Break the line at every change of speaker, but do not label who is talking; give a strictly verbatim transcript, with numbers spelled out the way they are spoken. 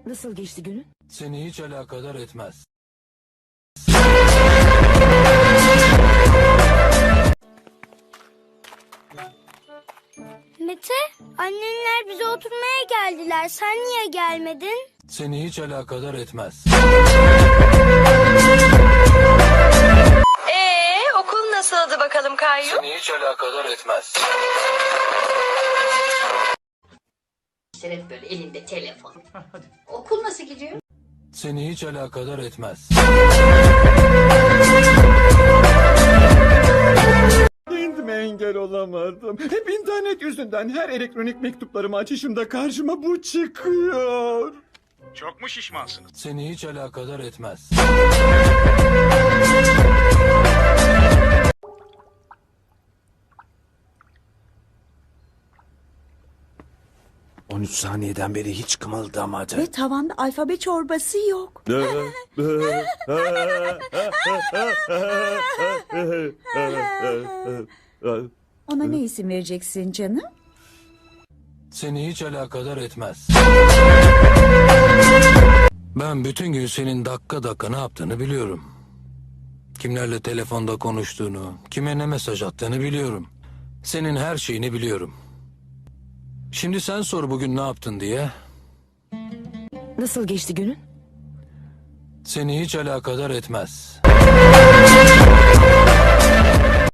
Nasıl geçti günün?
Seni hiç alakadar etmez.
Mete, annenler bize oturmaya geldiler. Sen niye gelmedin?
Seni hiç alakadar etmez.
Ee, okul nasıldı bakalım Kayyum?
Seni hiç alakadar etmez.
Şeref böyle elinde telefon. Okul nasıl gidiyor?
Seni hiç alakadar etmez.
Kendime engel olamadım. Hep internet yüzünden her elektronik mektuplarımı açışımda karşıma bu çıkıyor.
Çok mu şişmansınız?
Seni hiç alakadar etmez.
on üç saniyeden beri hiç kımıldamadı.
Ve tavanda alfabe çorbası yok. Ona ne isim vereceksin canım?
Seni hiç alakadar etmez. Ben bütün gün senin dakika dakika ne yaptığını biliyorum. Kimlerle telefonda konuştuğunu, kime ne mesaj attığını biliyorum. Senin her şeyini biliyorum. Şimdi sen sor bugün ne yaptın diye.
Nasıl geçti günün?
Seni hiç alakadar etmez.